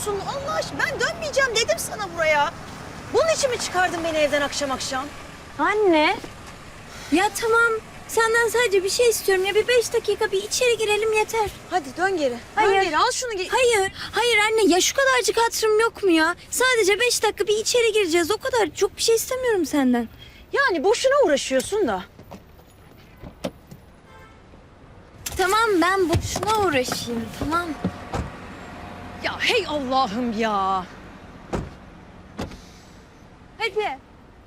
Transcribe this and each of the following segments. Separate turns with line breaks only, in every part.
yapıyorsun Allah aşkına? Ben dönmeyeceğim dedim sana buraya. Bunun için mi çıkardın beni evden akşam akşam?
Anne. Ya tamam. Senden sadece bir şey istiyorum ya. Bir 5 dakika bir içeri girelim yeter.
Hadi dön geri.
Hayır.
Dön geri al şunu.
Hayır. Hayır anne ya şu kadarcık hatırım yok mu ya? Sadece 5 dakika bir içeri gireceğiz o kadar. Çok bir şey istemiyorum senden.
Yani boşuna uğraşıyorsun da.
Tamam ben boşuna uğraşayım tamam.
Ya hey Allah'ım ya.
Hadi.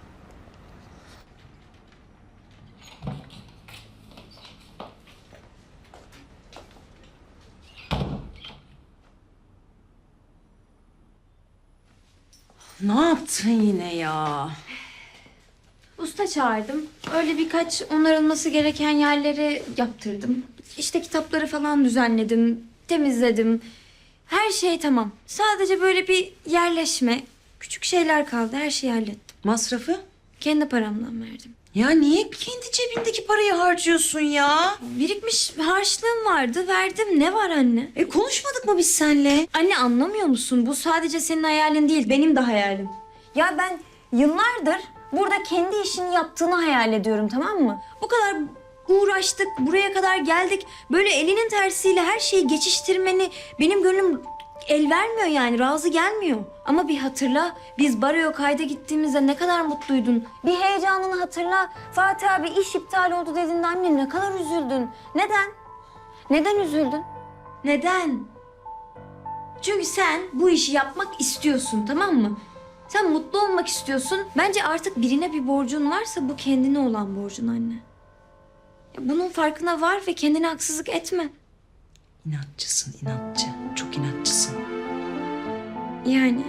Ne yaptın yine ya?
Usta çağırdım. Öyle birkaç onarılması gereken yerleri yaptırdım. İşte kitapları falan düzenledim, temizledim. Her şey tamam. Sadece böyle bir yerleşme, küçük şeyler kaldı. Her şeyi hallettim.
Masrafı?
Kendi paramdan verdim.
Ya niye kendi cebindeki parayı harcıyorsun ya?
Birikmiş harçlığım vardı, verdim. Ne var anne?
Konuşmadık mı biz seninle?
Anne anlamıyor musun? Bu sadece senin hayalin değil, benim de hayalim. Ya ben yıllardır burada kendi işini yaptığını hayal ediyorum, tamam mı? Bu kadar uğraştık, buraya kadar geldik. Böyle elinin tersiyle her şeyi geçiştirmeni benim gönlüm el vermiyor yani, razı gelmiyor. Ama bir hatırla, biz Baro'ya kayda gittiğimizde ne kadar mutluydun. Bir heyecanını hatırla. Fatih abi iş iptal oldu dediğinde anne ne kadar üzüldün. Neden? Neden üzüldün? Neden? Çünkü sen bu işi yapmak istiyorsun, tamam mı? Sen mutlu olmak istiyorsun. Bence artık birine bir borcun varsa bu kendine olan borcun anne. Ya bunun farkına var ve kendine haksızlık etme.
İnatçısın inatçı. Çok inatçısın.
Yani.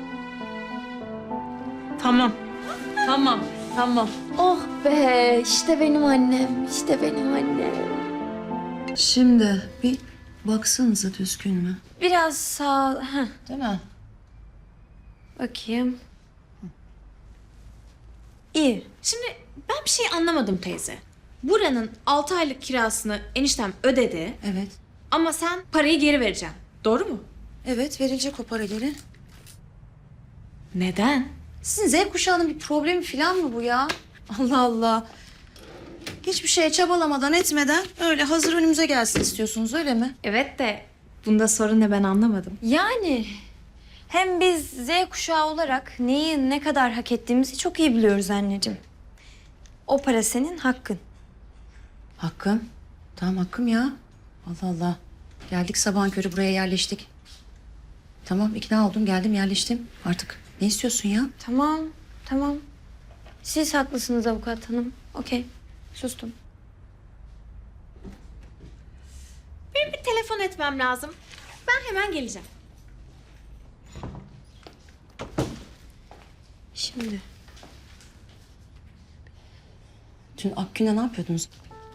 Tamam. Tamam. Tamam.
Oh be, işte benim annem, işte benim annem.
Şimdi bir baksanıza düzgün mü?
Biraz sağ... Heh,
Değil mi?
bakayım. İyi.
Şimdi ben bir şey anlamadım teyze. Buranın 6 aylık kirasını eniştem ödedi
Evet.
ama sen parayı geri vereceksin. Doğru mu?
Evet verilecek o para geri.
Neden?
Sizin Z kuşağının bir problemi falan mı bu ya? Allah Allah. Hiçbir şeye çabalamadan etmeden öyle hazır önümüze gelsin istiyorsunuz öyle mi?
Evet de bunda sorun ne ben anlamadım.
Yani hem biz Z kuşağı olarak neyi ne kadar hak ettiğimizi çok iyi biliyoruz anneciğim. O para senin hakkın.
Hakkım. Tamam hakkım ya. Allah Allah. Geldik sabahın körü buraya yerleştik. Tamam ikna oldum geldim yerleştim. Artık ne istiyorsun ya?
Tamam, tamam. Siz haklısınız avukat hanım. Okey, sustum.
Benim bir telefon etmem lazım. Ben hemen geleceğim.
Şimdi.
Dün Akgün'le ne yapıyordunuz?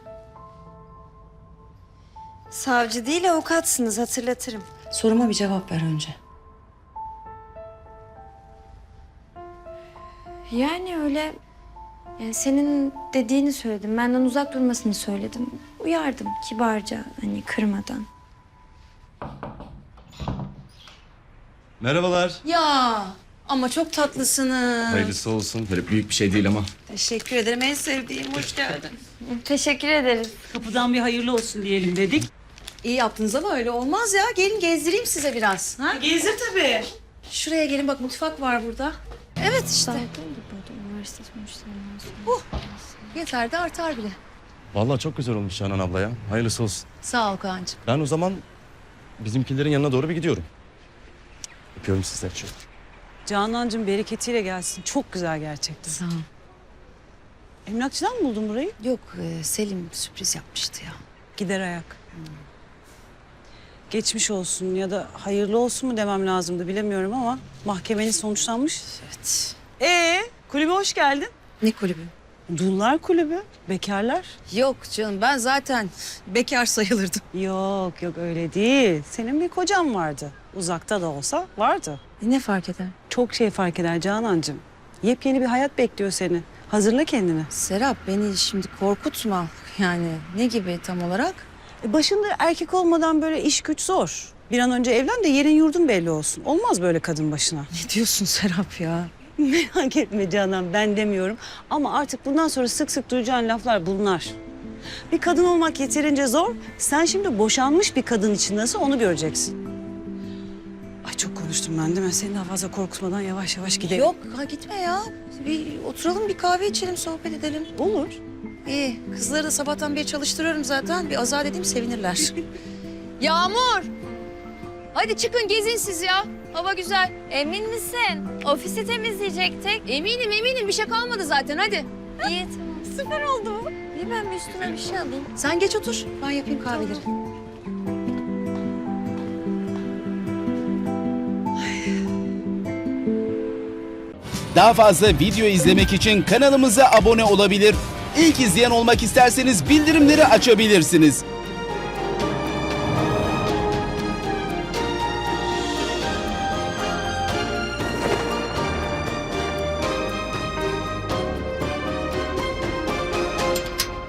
Savcı değil avukatsınız, hatırlatırım.
Soruma bir cevap ver önce.
Yani öyle... Yani senin dediğini söyledim. Benden uzak durmasını söyledim. Uyardım kibarca, hani kırmadan.
Merhabalar.
Ya ama çok tatlısınız.
Hayırlısı olsun. Böyle büyük bir şey değil ama.
Teşekkür ederim en sevdiğim. Hoş geldin.
Teşekkür ederiz.
Kapıdan bir hayırlı olsun diyelim dedik.
İyi yaptınız ama öyle olmaz ya. Gelin gezdireyim size biraz. Ha?
Gezdir tabii.
Şuraya gelin bak mutfak var burada. Evet işte.
Üniversite sonuçlarından sonra.
Yeter de artar bile.
Vallahi çok güzel olmuş Canan abla ya. Hayırlısı olsun.
Sağ ol Kaan'cığım.
Ben o zaman bizimkilerin yanına doğru bir gidiyorum. Öpüyorum sizleri çok.
Canancığım bereketiyle gelsin. Çok güzel gerçekten.
Sağ ol.
Emlakçıdan mı buldun burayı?
Yok Selim sürpriz yapmıştı ya.
Gider ayak. Geçmiş olsun ya da hayırlı olsun mu demem lazımdı bilemiyorum ama mahkemenin sonuçlanmış.
Evet.
Kulübe hoş geldin.
Ne kulübü?
Dullar kulübü, bekarlar.
Yok canım ben zaten bekar sayılırdım.
Yok yok öyle değil. Senin bir kocan vardı. Uzakta da olsa vardı.
Ne fark eder?
Çok şey fark eder Canancığım. Yepyeni bir hayat bekliyor seni. Hazırla kendini.
Serap beni şimdi korkutma. Yani ne gibi tam olarak?
Başında erkek olmadan böyle iş güç zor. Bir an önce evlen de yerin yurdun belli olsun. Olmaz böyle kadın başına.
Ne diyorsun Serap ya?
Merak etme Canan, ben demiyorum. Ama artık bundan sonra sık sık duyacağın laflar bunlar. Bir kadın olmak yeterince zor. Sen şimdi boşanmış bir kadın için nasıl onu göreceksin. Ay çok konuştum ben değil mi? Seni daha fazla korkutmadan yavaş yavaş gidelim.
Yok ha, gitme ya. Bir oturalım, bir kahve içelim, sohbet edelim.
Olur.
İyi. Kızları da sabahtan beri çalıştırıyorum zaten. Bir azar edeyim, sevinirler.
Yağmur! Hadi çıkın gezin siz ya. Hava güzel. Emin misin? Ofisi temizleyecektik.
Eminim bir şey kalmadı zaten, hadi.
İyi tamam. Süper oldu bu. İyi ben bir üstüme bir şey alayım.
Sen geç otur, ben yapayım kahveleri.
Daha fazla video izlemek için kanalımıza abone olabilir. İlk izleyen olmak isterseniz bildirimleri açabilirsiniz.